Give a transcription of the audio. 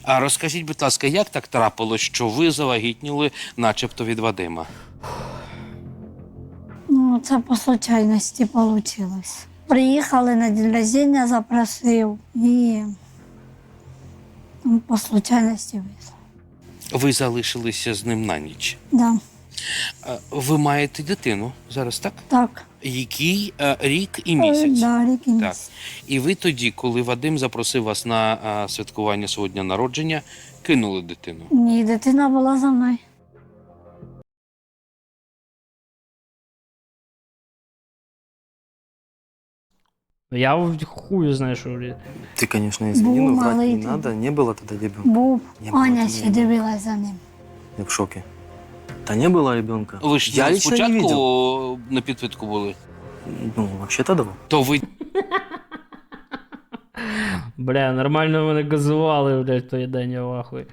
А розкажіть, будь ласка, як так трапилось, що ви завагітніли начебто від Вадима? Ну, це по случайності вийшло. Приїхали на день рождения, запросив і по случайності вийшло. Ви залишилися з ним на ніч. Да, Ви маєте дитину зараз, так? так. Який рік і місяць. Да, рік і Так. місяць. І ви тоді, коли Вадим запросив вас на святкування свого дня народження, кинули дитину. Ні, дитина була за мною. Я хую знаю, що... Ты, конечно, извини, Был но врать малый не ты. надо. Не было тогда ребенка. Був, Не було, Аня ти ще не було. дивилась за ним. Я в шоке. Да не было ребенка. Ви ж Я лично не видел. спочатку на підпитку були. Ну, вообще-то да. То ви Бля, нормально мене газували, блядь, той день, я в ахуї.